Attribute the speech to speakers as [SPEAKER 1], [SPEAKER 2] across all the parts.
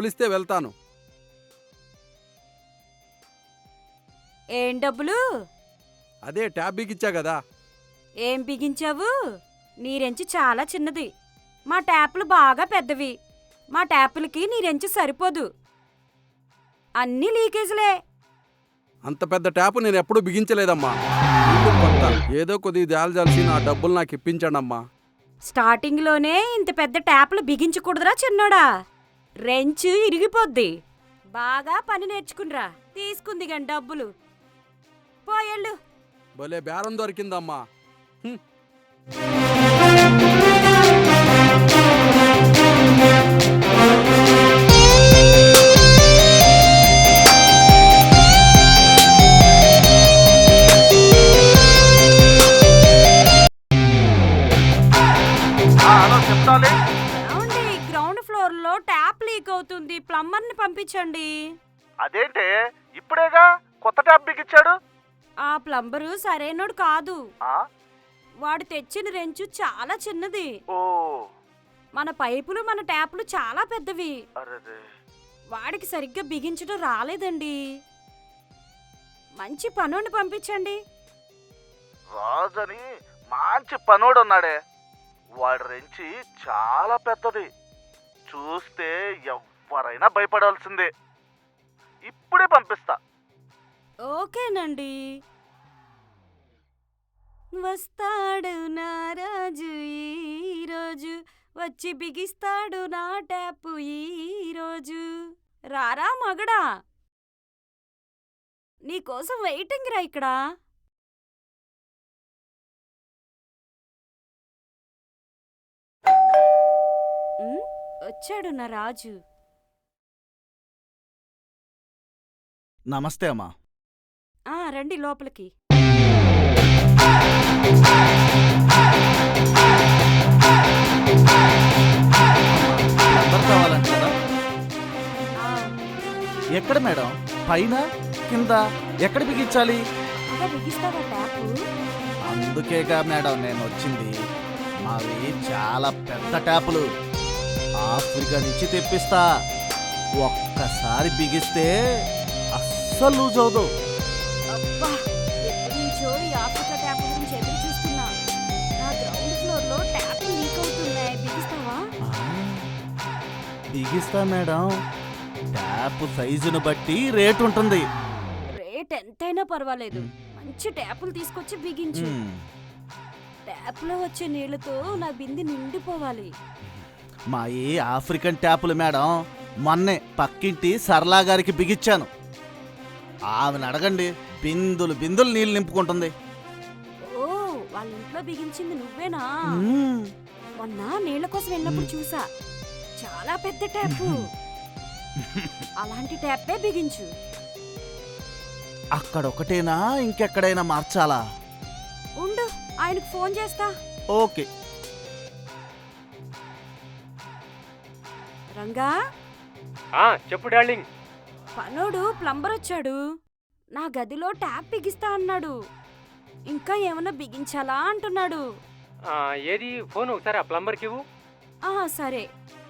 [SPEAKER 1] డబ్బులిస్తే వెళ్తాను.
[SPEAKER 2] ఏం డబ్బులు?
[SPEAKER 1] అదే ట్యాబ్ బిగిచ్చా కదా.
[SPEAKER 2] ఏం బిగించావు? నీరెంచి చాలా చిన్నది, మా ట్యాపులు బాగా పెద్దవి. మా ట్యాపులకి నీరెంచి సరిపోదు, అన్నీ లీకేజ్లే.
[SPEAKER 1] అంత పెద్ద ట్యాపు నేను ఎప్పుడూ బిగించలేదమ్మా. ఇల్లు కొత్త, ఏదో కొద్దిగా జాల్జాల్సి నా డబ్బులు నాకు ఇప్పించండమ్మా.
[SPEAKER 2] స్టార్టింగ్లోనే ఇంత పెద్ద ట్యాపులు బిగించకూడదురా చిన్నోడా, రెంచు ఇరిగిపోద్ది. బాగా పని నేర్చుకునిరా, తీసుకుంది గాని డబ్బులు. పోయేళ్ళు.
[SPEAKER 1] భలే బేరం దొరికిందమ్మా.
[SPEAKER 2] ఏమండి, గ్రౌండ్ ఫ్లోర్ లో ట్యాప్ లీక్ అవుతుంది, ప్లంబర్ ని పంపించండి.
[SPEAKER 3] అదేంటే ఇప్పుడేగా కొత్త ట్యాప్ బిగించాడు.
[SPEAKER 2] ఆ ప్లంబరు సరైనోడు కాదు.
[SPEAKER 3] ఆ?
[SPEAKER 2] వాడు తెచ్చిన రెంచు చాలా చిన్నది.
[SPEAKER 3] ఓ
[SPEAKER 2] మన పైపులు మన ట్యాపులు చాలా పెద్దవి.
[SPEAKER 3] అరెరే.
[SPEAKER 2] వాడికి సరిగ్గా బిగించడం రాలేదండి. మంచి పనోడిని పంపించండి.
[SPEAKER 3] రాజని మంచి పనోడు ఉన్నాడే, వాడి రెంచి చాలా పెద్దది, చూస్తే ఎవరైనా భయపడాల్సిందే. ఇప్పుడే పంపిస్తా.
[SPEAKER 2] ఓకేనండి. వస్తాడు నా రాజు ఈరోజు, వచ్చి బిగిస్తాడు నా ట్యాపు ఈరోజు. రారా మగడా, నీకోసం వెయిటింగ్ రా ఇక్కడ. వచ్చాడు నా రాజు.
[SPEAKER 4] నమస్తే అమ్మా.
[SPEAKER 2] రండి లోపలికి.
[SPEAKER 4] నంబర్ కావాలంటారా?
[SPEAKER 2] ఆ,
[SPEAKER 4] ఎక్కడ మేడం? పైన కింద ఎక్కడ బిగించాలి?
[SPEAKER 2] ఇంకా బిగిస్తావా ట్యాపు?
[SPEAKER 4] అందుకేగా మేడం నేను వచ్చింది. మావి చాలా పెద్ద ట్యాపులు, ఆఫ్రికా నుంచి తెప్పిస్తా. ఒక్కసారి బిగిస్తే అస్సలు లూజ్ అవదు.
[SPEAKER 2] అబ్బా, ఎప్పటి నుంచో ఈ ఆఫ్రికా ట్యాప్ గురించి ఎదురు చూస్తున్నా. నా గ్రౌండ్ ఫ్లోర్ లో ట్యాప్ లీక్ అవుతున్నాయి, బిగిస్తావా?
[SPEAKER 4] బిగిస్తా మేడం. ట్యాప్ సైజును బట్టి రేట్ ఉంటుంది.
[SPEAKER 2] రేట్ ఎంతైనా పర్వాలేదు, మంచి ట్యాపులు తీసుకొచ్చి బిగించు. ట్యాప్ లో వచ్చే నీళ్లతో నా బింది నిండిపోవాలి.
[SPEAKER 4] మా ఈ ఆఫ్రికన్ ట్యాపులు మేడం, మొన్నే పక్కింటి సరళా గారికి బిగించాను. ఆమెను అడగండి, బిందులు బిందులు నీళ్ళు నింపుకుంటుంది.
[SPEAKER 2] ఓ, వాళ్ళ ఇంట్లో బిగించింది నువ్వేనా? మొన్న నీళ్ల కోసం వెళ్ళినప్పుడు చూసా, చాలా పెద్ద ట్యాపు. అలాంటి ట్యాపే బిగించు.
[SPEAKER 4] అక్కడొకటేనా, ఇంకెక్కడైనా మార్చాలా?
[SPEAKER 2] ఉండు, ఆయనకు ఫోన్ చేస్తా.
[SPEAKER 4] ఓకే.
[SPEAKER 2] రంగా,
[SPEAKER 5] చెప్పు డార్లింగ్.
[SPEAKER 2] పనోడు ప్లంబర్ వచ్చాడు, నా గదిలో ట్యాప్ బిగిస్తా అన్నాడు. ఇంకా ఏమన్నా బిగించాలా అంటున్నాడు.
[SPEAKER 5] ఏది ఫోన్ ఒకసారి ఆ ప్లంబర్కి ఇవ్వు.
[SPEAKER 2] సరే.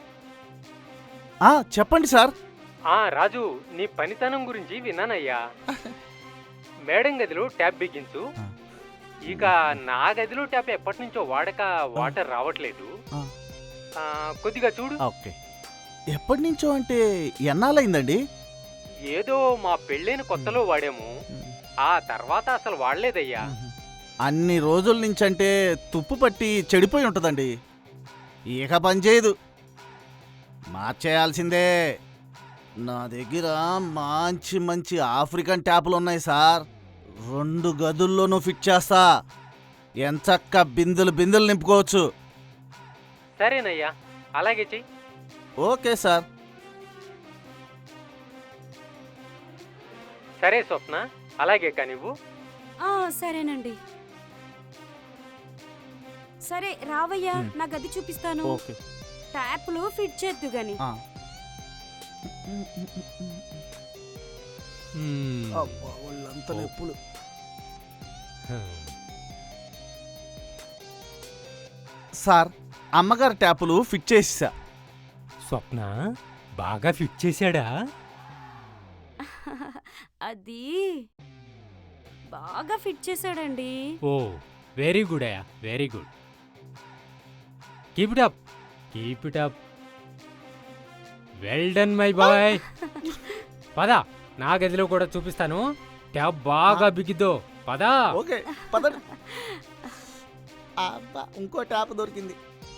[SPEAKER 4] చెప్పండి సార్.
[SPEAKER 5] రాజు, నీ పనితనం గురించి విన్నానయ్యా. మేడం గదిలో ట్యాప్ బిగించు. ఇక నా గదిలో ట్యాప్ ఎప్పటి నుంచో వాటర్ రావట్లేదు, కొద్దిగా చూడు.
[SPEAKER 4] ఓకే. ఎప్పటి నుంచో అంటే ఎన్నాళ్ళయిందండి?
[SPEAKER 5] ఏదో మా పెళ్ళైన కొత్తలో వాడాము, ఆ తర్వాత అసలు వాడలేదయ్యా.
[SPEAKER 4] అన్ని రోజుల నుంచి అంటే తుప్పు పట్టి చెడిపోయి ఉంటుందండి. ఇక పనిచేయదు, మార్చేయాల్సిందే. నా దగ్గర మంచి మంచి ఆఫ్రికన్ ట్యాపులు ఉన్నాయి సార్. 2 గదుల్లోనూ ఫిట్ చేస్తా. ఎంచక్క బిందులు బిందులు నింపుకోవచ్చు.
[SPEAKER 5] సరేనయ్యా, అలాగే చెయ్యి.
[SPEAKER 4] Okay sir.
[SPEAKER 5] సరే స్వప్న, అలాగే కానివ్వు.
[SPEAKER 2] సరేనండి. సరే రావయ్యా, నా గది చూపిస్తాను.
[SPEAKER 4] ఓకే.
[SPEAKER 2] ట్యాప్లు ఫిట్ చేద్దు గాని.
[SPEAKER 4] వాళ్ళంతా నొప్పులు. సార్, అమ్మగారి ట్యాపులు ఫిట్ చేసా.
[SPEAKER 5] స్వప్న, బాగా ఫిట్ చేశాడా?
[SPEAKER 2] అది బాగా ఫిట్ చేశాడండి.
[SPEAKER 5] ఓ వెరీ గుడ్ అయ్యా, very good. Keep it up, keep it up. Well done my boy. పద, నా గదిలో కూడా చూపిస్తాను. ట్యాప్ బాగా బిగిద్దో. పదా.
[SPEAKER 4] ఓకే పదండి. అబ్బా ఇంకో ట్యాప్ దొరికింది.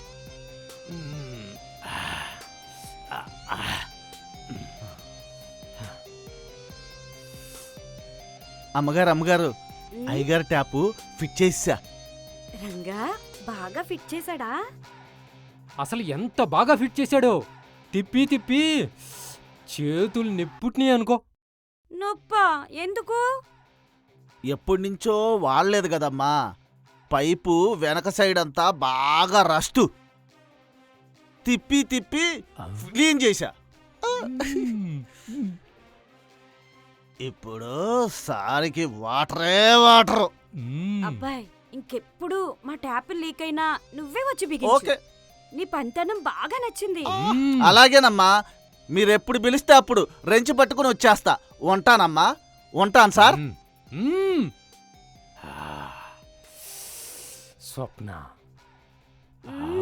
[SPEAKER 4] అమ్మగారు అయ్యగారు ట్యాపు ఫిట్ చేసా.
[SPEAKER 2] రంగా బాగా ఫిట్ చేశాడా?
[SPEAKER 5] అసలు ఎంత బాగా ఫిట్ చేశాడో. తిప్పి తిప్పి చేతులు నిప్పుట్ని అనుకో.
[SPEAKER 2] నొప్పా? ఎందుకు?
[SPEAKER 4] ఎప్పటి నుంచో వాడలేదు కదమ్మా. పైపు వెనక సైడ్ అంతా బాగా రస్టు. తిప్పి తిప్పి క్లీన్ చేశా. ఇప్పుడు సారికి వాటరే వాటరు.
[SPEAKER 2] అబ్బాయి ఇంకెప్పుడు మా ట్యాప్ లీక్ అయినా నువ్వే వచ్చి బిగించు.
[SPEAKER 4] ఓకే
[SPEAKER 2] నీ పనితనం బాగా నచ్చింది.
[SPEAKER 4] అలాగేనమ్మా. మీరెప్పుడు పిలిస్తే అప్పుడు రెంచి పట్టుకుని వచ్చేస్తా. ఉంటానమ్మా. ఉంటాను సార్.
[SPEAKER 5] స్వప్న,
[SPEAKER 2] మ్మ్.